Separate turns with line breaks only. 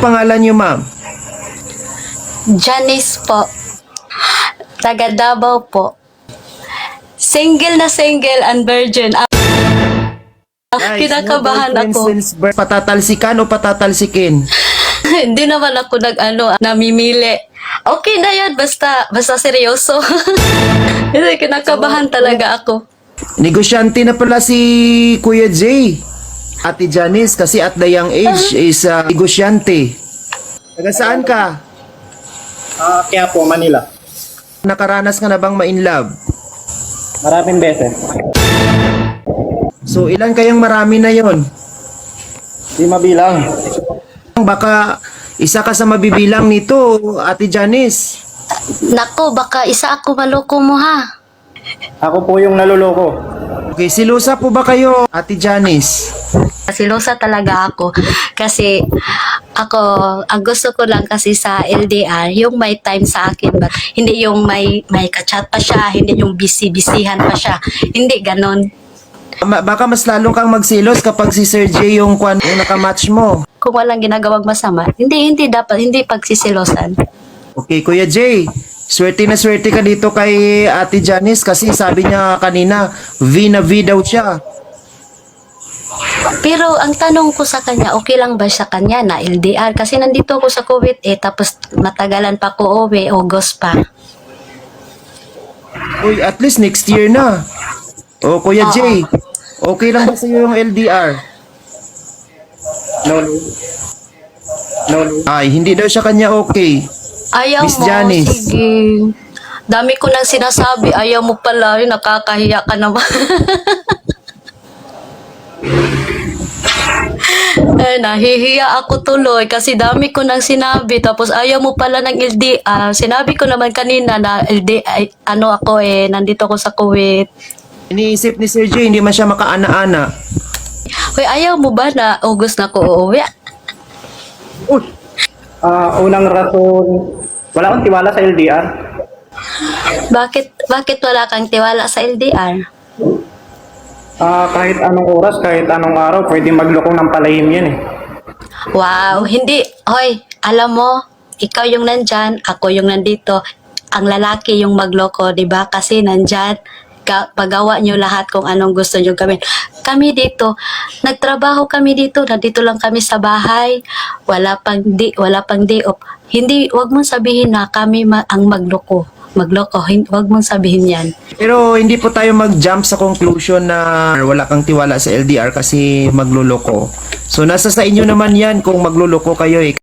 pangalan niyo, ma'am?
Janice po. Taga Davao po. Single na single and virgin. Kinakabahan
no boyfriend
ako.
since birth. Patatalsikan o patatalsikin?
Hindi naman ako namimili. Okay na yan, basta seryoso. Kasi kinakabahan talaga ako.
Negosyante na pala si Kuya Jay. Ate Janice, kasi at the young age is negosyante. Taga saan ka?
Kaya po, Manila.
Nakaranas ka na bang ma-in love?
Maraming beses.
So ilan kayang marami na yon?
Di mabilang.
Baka isa ka sa mabibilang nito, Ate Janice.
Nako, baka isa ako maloko mo ha.
Ako po yung naluloko.
Okay, silusa po ba kayo, Ate Janice?
Silosa talaga ako. Kasi ako, ang gusto ko lang kasi sa LDR, yung may time sa akin. But hindi yung may kachat pa siya, hindi yung busy-busyhan pa siya. Hindi ganon.
Baka mas lalong kang magsilos kapag si Sir J yung nakamatch mo.
Kung walang ginagawang masama, hindi pagsisilosan.
Okay, Kuya Jay, swerte na swerte ka dito kay Ate Janice kasi sabi niya kanina, V na V daw siya.
Pero ang tanong ko sa kanya, okay lang ba sa kanya na LDR? Kasi nandito ako sa Kuwait tapos matagalan pa ko uwi, August pa.
Uy, at least next year na. O, Kuya Jay, okay lang ba sa'yo yung LDR?
No.
Ay, hindi daw siya kanya okay.
Ayaw
Miss
mo,
Janice.
sige. Dami ko nang sinasabi, ayaw mo pala, nakakahiya ka naman. Nahihiya ako tuloy kasi dami ko nang sinabi tapos ayaw mo pala ng LDR. Sinabi ko naman kanina na LDR, nandito ako sa Kuwait.
Iniisip ni Sir J, hindi man siya makaana-ana.
Hoy, ayaw mo ba na August na ko uuwi?
Unang rason, wala akong tiwala sa LDR.
Bakit wala kang tiwala sa LDR?
Kahit anong oras, kahit anong araw, pwede magloko ng palahim yan eh.
Wow, hindi. Hoy, alam mo, ikaw yung nandyan, ako yung nandito. Ang lalaki yung magloko, di ba? Kasi nandyan, pagawa nyo lahat kung anong gusto nyo gawin. Kami dito, nagtrabaho kami dito, nandito lang kami sa bahay, wala pang day off. Hindi, wag mong sabihin na kami ang magloko, wag mong sabihin yan.
Pero hindi po tayo mag-jump sa conclusion na wala kang tiwala sa LDR kasi magluloko. So nasa sa inyo naman yan kung magluloko kayo eh.